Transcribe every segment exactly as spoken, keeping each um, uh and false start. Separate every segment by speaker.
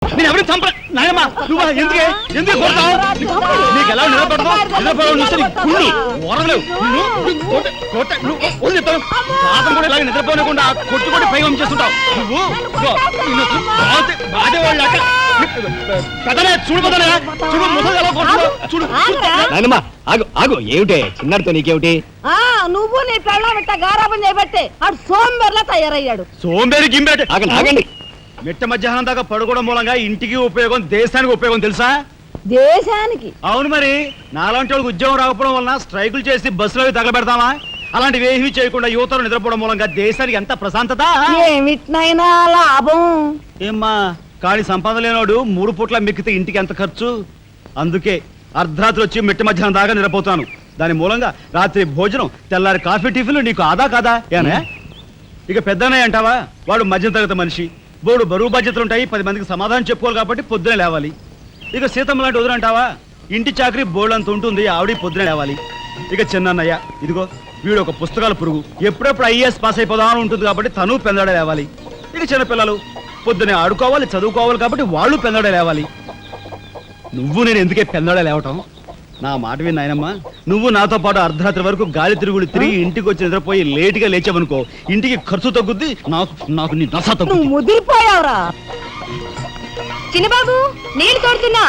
Speaker 1: నేను ఎవరిని చంప నాయనమ్మా నువ్వు ఎందుకే ఎందుకు కొడతావు? నీకు ఎలా నిలబడతావు? నిలబడవు చూస్తే కుళ్ళు ఓరలేవు. నువ్వు చెప్తాను పాతం కూడా ఇలాగే నిద్రపోనకుండా కొట్టు కొట్టి పైవం చేస్తుంటావు నువ్వు. బాధేవాళ్ళు కదలే చూడు కదలే చూడు ముసలి ఎలా కొడుతున్నావు చూడు. నాయనమ్మా ఆగు ఆగు ఏమిటే చిన్నారితో నీకేమిటి?
Speaker 2: నువ్వు నీ పెళ్ళం ఇట్ట గారాబం చేయబట్టే ఆడు సోంబేర్లా తయారయ్యాడు.
Speaker 1: సోంబేరి గింబేట ఆగండి ఆగండి. మిట్ట మధ్యాహ్నం దాకా పడుకోవడం మూలంగా ఇంటికి ఉపయోగం దేశానికి ఉపయోగం తెలుసా?
Speaker 2: దేశానికి?
Speaker 1: అవును మరి. నాలాంటి వాళ్ళకి ఉద్యోగం రాకపోవడం వలన స్ట్రైకులు చేసి బస్సులో తగలబెడతామా? అలాంటివి ఏమీ చేయకుండా యువతలు నిద్రపోవడం మూలంగా దేశానికి ఎంత ప్రశాంతత.
Speaker 2: ఏమిటినైనా లాభం
Speaker 1: ఏమ్మా కానీ సంపాదన లేనోడు మూడు పూట్ల మిక్కితే ఇంటికి ఎంత ఖర్చు? అందుకే అర్ధరాత్రి వచ్చి మిట్ట మధ్యాహ్నం దాకా నిద్రపోతాను. దాని మూలంగా రాత్రి భోజనం తెల్లారి కాఫీ టిఫిన్లు నీకు ఆదా కాదా? ఏనే ఇక పెద్దనే అంటావా? వాడు మధ్యతరగతి మనిషి, బోడు బరువు బాధ్యతలు ఉంటాయి, పది మందికి సమాధానం చెప్పుకోవాలి కాబట్టి పొద్దునే లేవాలి. ఇక సీతమ్మ లాంటి వదిన అంటావా? ఇంటి చాకరీ బోర్డు అంత ఉంటుంది, ఆవిడ పొద్దునే లేవాలి. ఇక చిన్నన్నయ్య ఇదిగో వీడు ఒక పుస్తకాల పురుగు, ఎప్పుడెప్పుడు ఐఏఎస్ పాస్ అయిపోదామని ఉంటుంది కాబట్టి తను పెందడే లేవాలి. ఇక చిన్నపిల్లలు పొద్దునే ఆడుకోవాలి, చదువుకోవాలి కాబట్టి వాళ్ళు పెందడే లేవాలి. నువ్వు నేను ఎందుకే పెందడే లేవటం? నా మాట విని నాయనమ్మా, నువ్వు నాతో పాటు అర్ధరాత్రి వరకు గాలి తిరుగులు తిరిగి ఇంటికి వచ్చి నిద్రపోయి లేటుగా లేచావనుకో, ఇంటికి ఖర్చు తగ్గుద్ది, నాకు నాకు నీ నస తగ్గుద్ది.
Speaker 2: ముదిరిపోయావురా చిన్నబాబు, నీళ్ళు తోడుతున్నా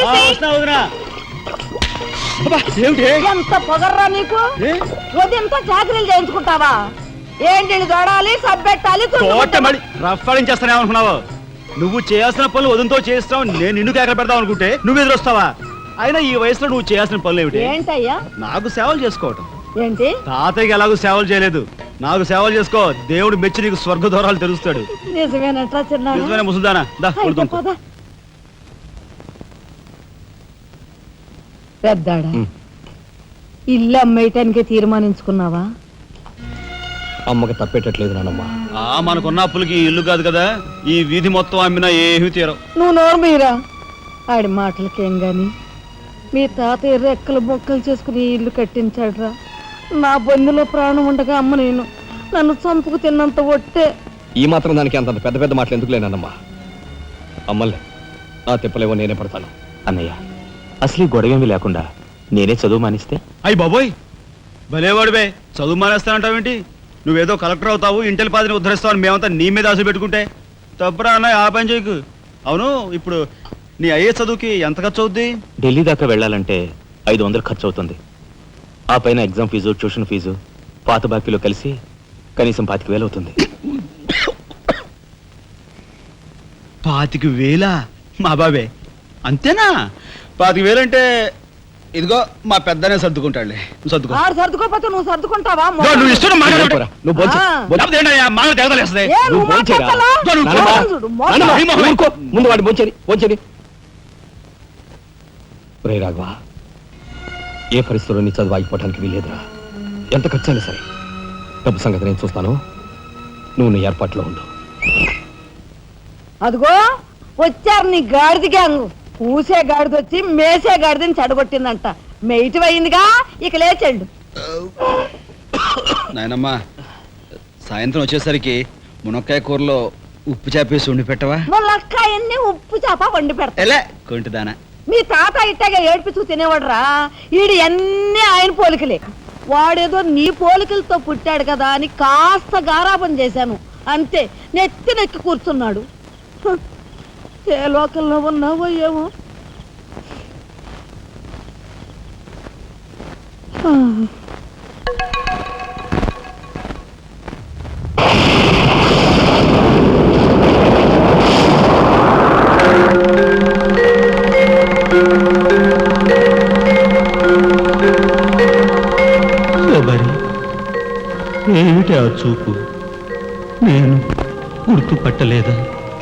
Speaker 2: ఎంత పొగర్రా నీకు? ఉదయంతో చాకరీలు చేయించుకుంటావా? ఏంటి తోడాలి, సబ్బెట్టాలి,
Speaker 1: రఫాడించేస్తానే అనుకున్నావు? నువ్వు చేయాల్సిన పనులు ఉదయంతో చేస్తావు, నేను నిన్ను కేకలు పెడతావు అనుకుంటే నువ్వు ఎదురొస్తావా? అయినా ఈ వయసులో నువ్వు చేయాల్సిన పనులు ఏమిటి?
Speaker 2: ఏంటయ్యా?
Speaker 1: నాకు సేవలు చేసుకోవటం.
Speaker 2: ఏంటి?
Speaker 1: తాతయ్యకి ఎలాగో సేవలు చేయలేదు, నాకు సేవలు చేసుకో. దేవుడు మెచ్చి నీకు స్వర్గ దూరాలు తెలుస్తాడు. నిజమేనా ముసల్దానా?
Speaker 2: పెద్దాడా ఇల్లు అమ్మేయటానికి తీర్మానించుకున్నావా?
Speaker 1: అమ్మకి తప్పేటట్లేదు నానమ్మా. ఆ మనకున్న అప్పులకి ఇల్లు కాదు కదా, ఈ వీధి మొత్తం అమ్మినా ఏమీ తీరం.
Speaker 2: నువ్వు నోరు మీరా ఆడి మాటలకేం గాని మీ తాతయ్య రెక్కలు బొక్కలు చేసుకుని ఇల్లు కట్టించాడురా. నా బొందులో ప్రాణం ఉండగా అమ్మ నేను నన్ను చంపుకు తిన్నంత ఒట్టే.
Speaker 1: ఈ మాత్రం దానికి అంత పెద్ద పెద్ద మాటలు ఎందుకు లేనమ్మా? అమ్మలే నా తిప్పలేవో నేనే పడతాను.
Speaker 3: అన్నయ్య అసలు గొడవేమీ లేకుండా నేనే చదువు మానిస్తే?
Speaker 1: అయ్యి బాబోయ్ భలేవాడివే, చదువు మానేస్తానంటావేంటి? నువ్వేదో కలెక్టర్ అవుతావు, ఇంటెల్ పాదిని ఉద్ధరిస్తావు అని మేమంతా నీ మీద ఆశ పెట్టుకుంటే తప్పురా అన్న. ఆ పని చేయకు. అవును ఇప్పుడు నీ అయ్యే చదువుకి ఎంత ఖర్చు అవుద్ది?
Speaker 3: ఢిల్లీ దాకా వెళ్ళాలంటే ఐదు వందలు ఖర్చు అవుతుంది. ఆ పైన ఎగ్జామ్ ఫీజు, ట్యూషన్ ఫీజు, పాత బాకీలో కలిసి కనీసం పాతిక వేలు అవుతుంది.
Speaker 1: పాతిక వేలా? మా బాబే అంతేనా? పాతిక వేలంటే ఇదిగో మా పెద్దనే సర్దుకుంటాడులే. సర్దుకో.
Speaker 2: సర్దుకోపోతే నువ్వు సర్దుకుంటావా?
Speaker 1: నువ్వు ఇష్టం ముందు వాడు బొంచేది బొంచేది. రే రాఘవ, ఏ పరిస్థితుల్లో నీ చదువు ఆగిపోవటానికి వీలేదురా. ఎంత ఖర్చైనా సరే డబ్బు సంగతి నేను చూస్తాను, నువ్వు నీ ఏర్పాట్లో ఉండు.
Speaker 2: అదిగో వచ్చారు నీ గాడిద గ్యాంగు. పూసే గాడిద వచ్చి మేసే గాడిదని చెడగొట్టిందంట. మెయిటివ్ అయిందిగా, ఇక లేచండు.
Speaker 1: నాయనమ్మా సాయంత్రం వచ్చేసరికి మునక్కాయ కూరలో ఉప్పు చేపేసి వండి పెట్టవా?
Speaker 2: మునక్కాయన్ని ఉప్పు చేప వండి పెడతా.
Speaker 1: కొంటిదానా
Speaker 2: మీ తాత ఇట్టగా ఏడ్పిస్తూ తినేవాడురా. ఈడు ఎన్ని ఆయన పోలికలే. వాడేదో నీ పోలికలతో పుట్టాడు కదా అని కాస్త గారాబం చేశాను అంతే. నెత్తి నెక్కి కూర్చున్నాడు. ఏ లోకల్లో ఉన్నావో ఏమో.
Speaker 4: ఏమిటి ఆ చూపు? నేను గుర్తుపట్టలేదా?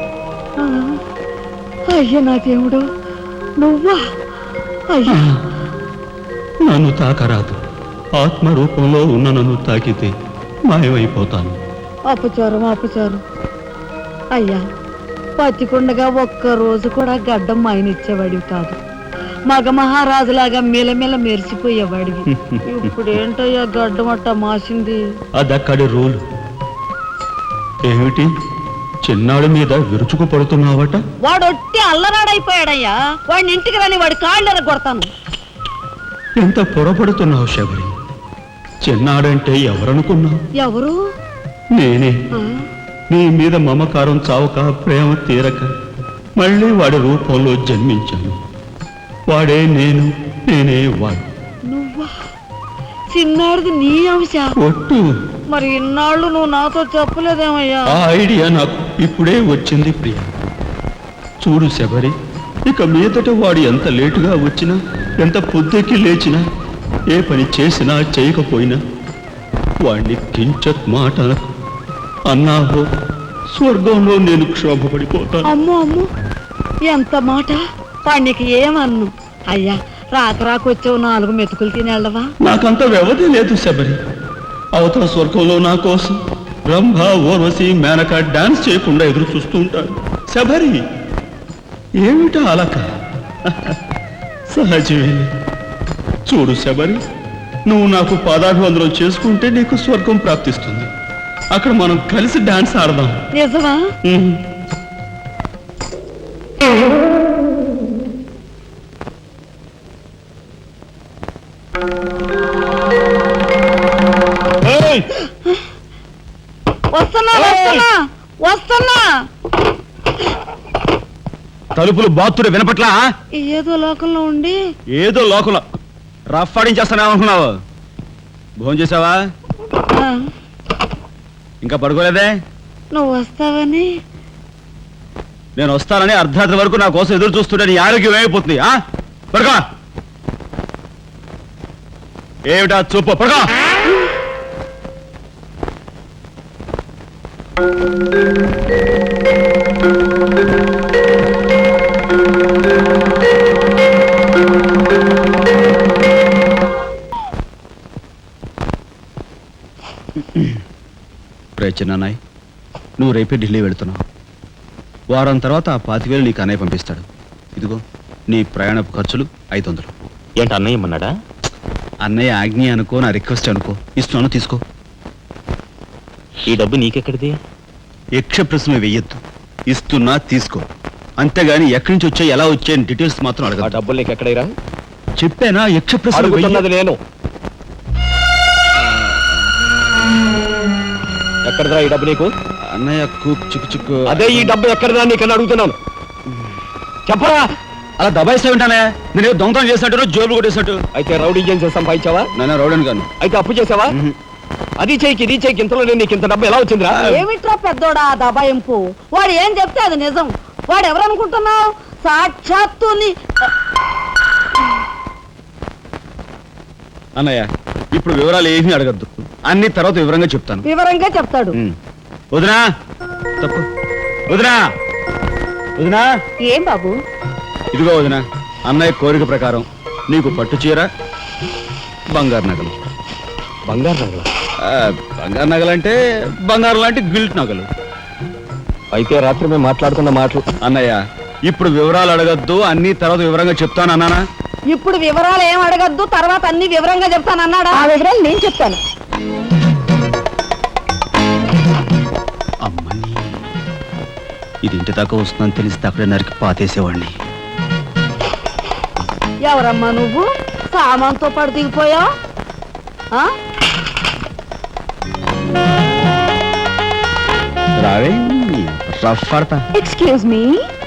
Speaker 2: అయ్యా నా దేవుడు, నువ్వా? అయ్యా
Speaker 4: నన్ను తాకరాదు. ఆత్మరూపంలో ఉన్న నన్ను తాకితే మాయమైపోతాను.
Speaker 2: అపచారం అపచారం. అయ్యా పతికుండగా ఒక్క రోజు కూడా గడ్డం మాయనిచ్చేవాడివి కాదు. మగ మహారాజులాగా మెలమెల మెరిసిపోయేవాడివి. ఇప్పుడు ఏంటయ్యా గడ్డం అట్ట మాసింది?
Speaker 4: అదక్కడి రూలు. ఏమిటి చిన్నాడి మీద విరుచుకు పడుతున్నావట.
Speaker 2: వాడు ఒట్టి అల్లరాడైపోయాడయ్యా. వాడిని ఇంటికి రాని వాడి కాళ్ళు కొడతాను.
Speaker 4: ఎంత పొరపడుతున్నావు శబరి. చిన్నాడంటే ఎవరనుకున్నావు?
Speaker 2: ఎవరు?
Speaker 4: నేనే.
Speaker 2: ఆ,
Speaker 4: నీ మీద మమకారం చావక, ప్రేమ తీరక మళ్ళీ వాడి రూపంలో జన్మించాను. వాడే నేను, నేనే వాడు.
Speaker 2: నువ్వా? చిన్నాడిది నీ అంశ.
Speaker 4: ఒట్టు.
Speaker 2: మరి ఇన్నాళ్ళు నువ్వు నాతో చెప్పలేదేమయ్యా?
Speaker 4: ఆ ఐడియా నాకు ఇప్పుడే వచ్చింది ప్రియ. చూడు శబరి, ఇక మీదట వాడు ఎంత లేటుగా వచ్చినా, ఎంత పొద్దెక్కి లేచినా, ఏ పని చేసినా చేయకపోయినా వాడిని కించత్ మాట అనకు. అన్నాహో స్వర్గంలో నేను క్షోభపడిపోతాను.
Speaker 2: అమ్మో అమ్మో, ఎంత మాట! వాడికి ఏమన్ను? అయ్యా, రాక రాకొచ్చావు, నాలుగు మెతుకులు తినేళ్ళవా?
Speaker 4: నాకంత వ్యవధి లేదు శబరి. అవతల స్వర్గంలో నా కోసం రంభ, ఓర్వశి, మేనక డాన్స్ చేయకుండా ఎదురు చూస్తూ ఉంటారు. శబరి, ఏమిటా అలక? సహజమే. చూడు శబరి, నువ్వు నాకు పాదాభివందనం చేసుకుంటే నీకు స్వర్గం ప్రాప్తిస్తుంది. అక్కడ మనం కలిసి డాన్స్ ఆడదాం.
Speaker 2: నిజమా?
Speaker 4: ఉమ్. ఏయ్!
Speaker 2: వస్తున్నా వస్తున్నా వస్తున్నా.
Speaker 1: తలుపులు బాత్తుడు వినపట్లా?
Speaker 2: ఏదో లోకంలో ఉండి
Speaker 1: ఏదో లోకంలో రఫ్ ఆడించేస్తానేమనుకున్నావు? భోజనం చేసావా?
Speaker 2: ఆ,
Speaker 1: ఇంకా పడుకోలేదే?
Speaker 2: నువ్వు వస్తావని.
Speaker 1: నేను వస్తానని అర్ధరాత్రి వరకు నా కోసం ఎదురు చూస్తుంటే నీ ఆరోగ్యం ఏమైపోతుంది? ఆ పడుకో. ఏమిటా చూపు? పడుకో. రే చిన్నాయ్, నువ్వు రేపే ఢిల్లీ వెళుతున్నావు. వారం తర్వాత ఆ పాతివేలు నీకు అన్నయ్య పంపిస్తాడు. ఇదిగో నీ ప్రయాణపు ఖర్చులు ఐదు వందలు.
Speaker 3: ఏంటి అన్నయ్య ఇమ్మన్నాడా?
Speaker 1: అన్నయ్య ఆజ్ఞ అనుకో, నా రిక్వెస్ట్ అనుకో. ఇస్తున్నాను, తీసుకో.
Speaker 3: ఈ డబ్బు నీకెక్కడిది?
Speaker 1: యక్ష ప్రశ్న వెయ్యొద్దు. ఇస్తున్నా, తీసుకో. అంతేగాని ఎక్కడి నుంచి వచ్చాయి, ఎలా వచ్చాయని డీటెయిల్స్ మాత్రం
Speaker 3: ఆ
Speaker 1: అడగ.
Speaker 3: డబ్బులు నీకు ఎక్కడైరా?
Speaker 1: చెప్పానా? యక్ష ప్రశ్న
Speaker 3: అడుగుతున్నది నేను. ఎక్కడదా ఈ డబ్బు నీకు?
Speaker 1: అన్నయ్య కుక్ చిక్కు చిక్కు.
Speaker 3: అదే ఈ డబ్బు ఎక్కడదా నీకన్నా అడుగుతున్నాను. చెప్పరా?
Speaker 1: అలా దబాయిస్తా ఉంటానే. నేను దొంగతనం చేసినట్టు, జోబులు కొట్టేసినట్టు.
Speaker 3: అయితే రౌడీ ఏం చేస్తాం సంపాదించావా?
Speaker 1: నాన్న రౌడన్ గాను.
Speaker 3: అయితే అప్పు చేసావా? అది చేయికి ఇది చేయికి ఇంతలో నేను నీకు ఇంత డబ్బు ఎలా వచ్చిందిరా?
Speaker 2: ఏమిట్రా పెద్దోడా ఆ దబాయింపు? వాడు ఏం చెప్తే అది నిజం. వాడు ఎవరనుకుంటున్నావు? సాక్షాత్తు నీ-
Speaker 1: అన్నయ్య, ఇప్పుడు వివరాలు ఏమీ అడగద్దు. అన్ని తర్వాత వివరంగా చెప్తాను.
Speaker 2: వివరంగా చెప్తాడు.
Speaker 1: ఉమ్. వదినా, తప్పు. వదినా, వదినా.
Speaker 2: ఏం బాబు?
Speaker 1: ఇదిగో వదినా, అన్నయ్య కోరిక ప్రకారం నీకు పట్టు చీర, బంగారు నగలు.
Speaker 3: బంగారు నగలు?
Speaker 1: ఆ, బంగారు నగలంటే బంగారు లాంటి గిల్ట్ నగలు.
Speaker 3: అయితే రాత్రి మేము మాట్లాడుకున్న మాటలు.
Speaker 1: అన్నయ్య, ఇప్పుడు వివరాలు అడగద్దు, అన్ని తర్వాత వివరంగా చెప్తాను అన్నానా?
Speaker 2: ఇప్పుడు వివరాలు ఏం అడగద్దు, తర్వాత అన్ని వివరంగా చెప్తాను అన్నాడా? ఆ వివరాలు నేను చెప్తాను.
Speaker 1: అమ్మని, ఇది ఇంటి దాకా వస్తుందని తెలిస్తే అక్కడే నరికి పాతేసేవాడిని.
Speaker 2: ఎవరమ్మా నువ్వు? సామాన్తో పాటు దిగిపోయా?
Speaker 1: రావే, రఫ్ ఆడతా.
Speaker 2: Excuse me.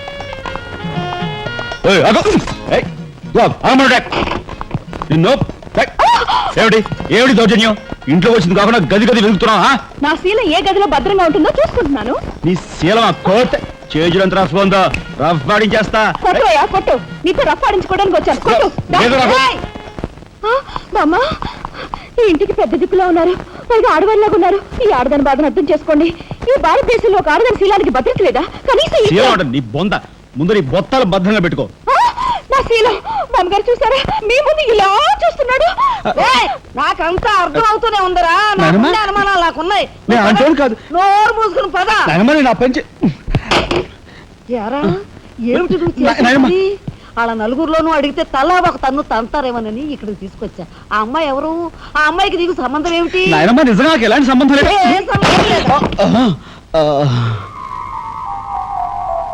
Speaker 1: ఏయ్, ఆగు. ఏయ్, గో, ఆగమను, డాక్. నిన్ను, డాక్. ఏమిటి ఏమిటి దౌర్జన్యం? ఇంట్లో వచ్చింది కాకుండా గది గది వెతుకుతున్నావా?
Speaker 2: నా శీలం ఏ గదిలో భద్రంగా ఉంటుందో చూసుకుంటున్నాను.
Speaker 1: నీ శీలం ఆ కోర్తే చేజులంత రఫ్ ఉందో, రఫ్ ఆడించేస్తా.
Speaker 2: కొట్టుయా కొట్టు. నీతో రఫ్ ఆడించుకోవడానికి వచ్చాను. కొట్టు.
Speaker 1: లేదు నాకు.
Speaker 2: బామ్మ, ఈ ఇంటికి పెద్ద దిక్కులో ఉన్నారు, పైగా ఆడవాళ్ళగా ఉన్నారు. ఈ ఆడదాని బాధను అర్థం చేసుకోండి. ఈ భారతదేశంలో ఒక ఆడదాని శీలానికి భద్రత లేదా? కనీసం ఈ-
Speaker 1: శీలం అంటే నీ బొంద. ముందు నీ బొత్తాలు భద్రంగా పెట్టుకో.
Speaker 2: ఆ, నా శీలం బామ్మగారు చూసారా? మీ ముందు ఇలా చూస్తున్నాడు. నాకంతా అర్థం అవుతూనే ఉందరా.
Speaker 1: నాయనమ్మ?
Speaker 2: నాకున్న అనుమానాలు నాకున్నాయి.
Speaker 1: నేను అంటోను కాదు.
Speaker 2: నోరు మూసుకుని పద.
Speaker 1: నాయనమ్మ, నా పంచి.
Speaker 2: యారా, ఏమిటి నువ్వు
Speaker 1: నా- నాయనమ్మ.
Speaker 2: చేసేది? వాళ్ళ నలుగురిలోనూ అడిగితే తలా ఒక తన్ను తంతారేమోనని ఇక్కడికి తీసుకొచ్చా. ఆ అమ్మాయి ఎవరు? ఆ అమ్మాయికి నీకు సంబంధం ఏమిటి?
Speaker 1: నాయనమ్మ, నిజంగా నాకు ఎలాంటి సంబంధం లేదు.
Speaker 2: ఏం సంబంధం లేదా?
Speaker 1: ఆహా, ఆ,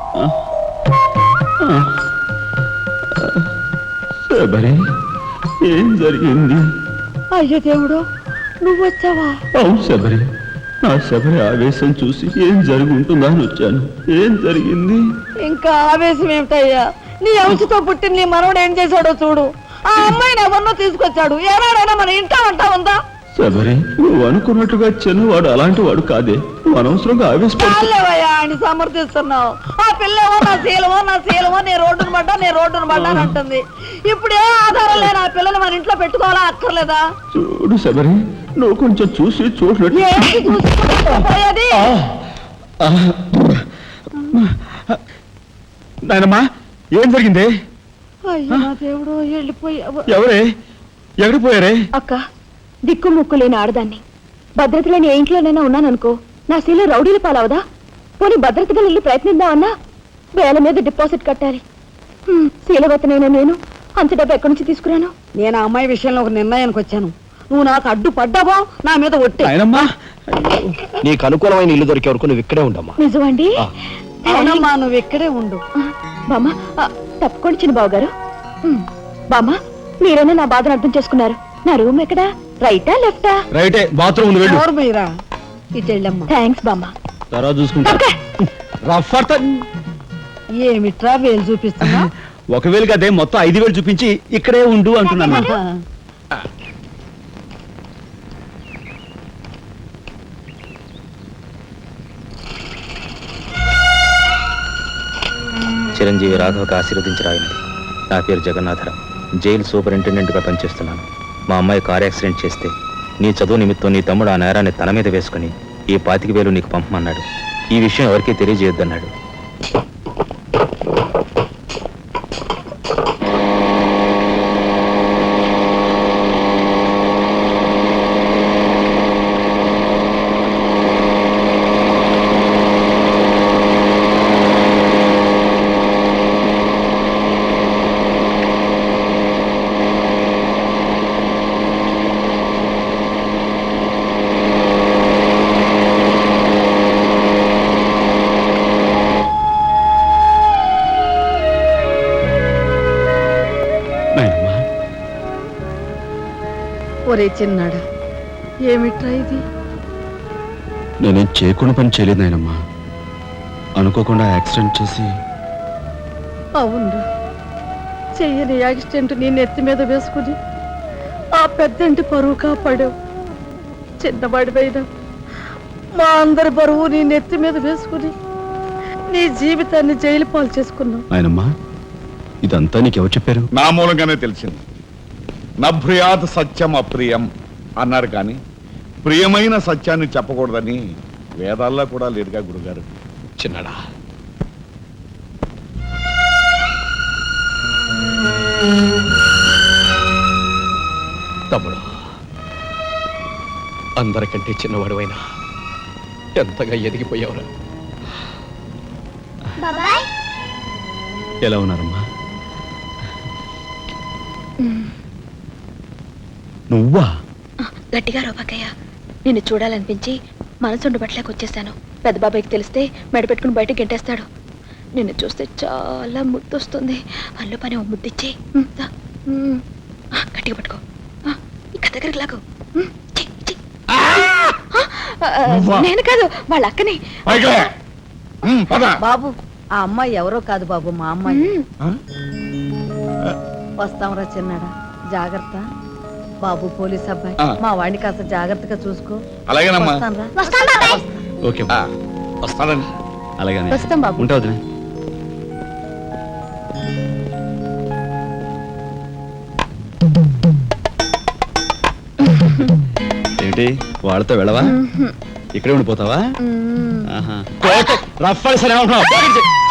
Speaker 4: శబరి ఏం జరిగింది?
Speaker 2: అయ్యో దేవుడు, నువ్వు వచ్చావా?
Speaker 4: అవును శబరి, నా శబరి ఆవేశం చూసి ఏం జరుగుంటుందా అని వచ్చాను. ఏం జరిగింది?
Speaker 2: ఇంకా ఆవేశం ఏమిటయ్యా? నీ అంశతో పుట్టిన నీ మనవడు ఏం చేశాడో చూడు. ఆ అమ్మాయిని ఎవరినో తీసుకొచ్చాడు. ఏనాడైనా మన ఇంటా అంటా ఉందా?
Speaker 4: శబరి, నువ్వు అనుకున్నట్టుగా చిన్నవాడు అలాంటి వాడు కాదే. నువ్వు అనవసరంగా ఆవేశపడు.
Speaker 2: చాలేవయ్యా అని సమర్థిస్తున్నావు. ఆ పిల్లేమో నా శీలమో నా శీలమో నీ రోడ్డును పడ్డా నీ రోడ్డును పడ్డా అని అంటుంది. ఇప్పుడు ఏ ఆధారం లేని ఆ పిల్లని మన ఇంట్లో పెట్టుకోవాలా అక్కర్లేదా?
Speaker 4: చూడు శబరి, నువ్వు కొంచెం చూసి చూడలేదు.
Speaker 2: ఏంటి చూసుకోపోయేది?
Speaker 1: నాయనమ్మా, ఏం జరిగింది?
Speaker 2: అయ్యో నా దేవుడు, వెళ్ళిపోయావు.
Speaker 1: ఎవరే? ఎక్కడికి పోయారే?
Speaker 5: అక్క, దిక్కు ముక్కు లేని ఆడదాన్ని. భద్రత లేని ఏ ఇంట్లోనైనా ఉన్నాననుకో, నా శీల రౌడీల పాలవదా? పోనీ భద్రతగా వెళ్ళి ప్రయత్నిద్దామన్నా వేల మీద డిపాజిట్ కట్టాలి. హ్మ్, శీలవతనైనా నేను అంత డబ్బు ఎక్కడి నుంచి తీసుకురాను?
Speaker 2: నేను ఆ అమ్మాయి విషయంలో ఒక నిర్ణయానికి వచ్చాను. నువ్వు నాకు అడ్డు పడ్డావో నా మీద ఒట్టి.
Speaker 1: నాయనమ్మా,
Speaker 3: నీకు అనుకూలమైన ఇల్లు దొరికే వరకు నువ్వు ఇక్కడే ఉండమ్మా.
Speaker 5: నిజమండి?
Speaker 2: అవునమ్మా, నువ్వు ఇక్కడే ఉండు.
Speaker 5: బామ్మ, ఆ, తప్పుకోండి చిన్న బాబు గారు. హ్మ్, బామ్మ, మీరైనా నా బాధను అర్థం చేసుకున్నారు. నా రూమ్ ఎక్కడా? రైటా లెఫ్టా?
Speaker 1: రైటే, బాత్రూమ్ ఉంది, వెళ్ళు.
Speaker 2: ఎవరు మీరా? ఇటు వెళ్ళమ్మా.
Speaker 5: థ్యాంక్స్ బామ్మ.
Speaker 1: తర్వాత చూసుకుంటా. రఫ్ అర్త
Speaker 2: ఏమిట్రా వేలు చూపిస్తున్నా?
Speaker 1: ఒకవేళ కదే మొత్తం ఐదు వేలు చూపించి ఇక్కడే ఉండు అంటున్నాను.
Speaker 3: చిరంజీవి రాఘవకు ఆశీర్వదించి రాయినది. నా పేరు జగన్నాథరావు, జైలు సూపరింటెండెంట్గా పనిచేస్తున్నాను. మా అమ్మాయి కార్ యాక్సిడెంట్ చేస్తే నీ చదువు నిమిత్తం నీ తమ్ముడు ఆ నేరాన్ని తన మీద వేసుకుని ఈ పాతిక వేలు నీకు పంపమన్నాడు. ఈ విషయం ఎవరికీ తెలియజేయొద్దన్నాడు.
Speaker 1: నాయనమ్మా,
Speaker 2: ఒరే చిన్నాడా, ఏమిట్రా ఇది?
Speaker 1: నేనేం చేయకుండా పని చేయలేదు నాయనమ్మా. అనుకోకుండా యాక్సిడెంట్ చేసి.
Speaker 2: అవును, చెయ్యని యాక్సిడెంట్ నీ నెత్తి మీద వేసుకుని ఆ పెద్దంటి పరువు కాపాడావు. చిన్నవాడివైనా మా అందరి బరువు నీ నెత్తి మీద వేసుకుని నీ జీవితాన్ని జైలు పాలు చేసుకున్నావు.
Speaker 1: నాయనమ్మా, ఇదంతా నీకెవరు చెప్పారు?
Speaker 6: నా మూలంగానే తెలిసింది. నభ్రియాత్ సత్యం అప్రియం అన్నారు, కానీ ప్రియమైన సత్యాన్ని చెప్పకూడదని వేదాల్లో కూడా లేదుగా గురుగారు.
Speaker 3: చిన్నడా, తమ్ముడు, అందరికంటే చిన్నవాడువైనా ఎంతగా ఎదిగిపోయావురా.
Speaker 1: ఎలా ఉన్నారమ్మా? నువ్వా?
Speaker 5: గట్టిగా రోపకయ్య, నిన్ను చూడాలనిపించి మనసుండు బట్టలేక వచ్చేసాను. పెద్ద బాబాయ్కి తెలిస్తే మెడ పెట్టుకుని బయటకు గెంటేస్తాడు. నిన్ను చూస్తే చాలా ముద్దొస్తుంది. అల్లు పని ఓ ముద్దిచ్చి గట్టిగా పట్టుకో. ఇక దగ్గరికి లాగు. ఉమ్, చి, చి. ఆ, నేను కాదు, వాళ్ళ అక్కని.
Speaker 2: బాబు, ఆ అమ్మాయి ఎవరో కాదు బాబు, మా అమ్మాయి.
Speaker 5: ఉమ్,
Speaker 2: వస్తాంరా చిన్నాడా, జాగ్రత్త. బాబు పోలీస్ అబ్బాయి,
Speaker 6: ఆ.
Speaker 2: మా వాడిని కాస్త జాగ్రత్తగా చూసుకో.
Speaker 6: అలాగేనమ్మా.
Speaker 2: వస్తానురా.
Speaker 5: వస్తాను బాబాయ్.
Speaker 1: ఓకే
Speaker 6: ఆ, వస్తానండి.
Speaker 1: అలాగనే
Speaker 5: వస్తాం బాబు.
Speaker 1: ఉంటా వదిలే. ఏంటి వాళ్ళతో వెళ్ళవా? ఇక్కడే ఉండిపోతావా?
Speaker 5: ఉమ్.
Speaker 1: ఆహా. రఫ్ సరే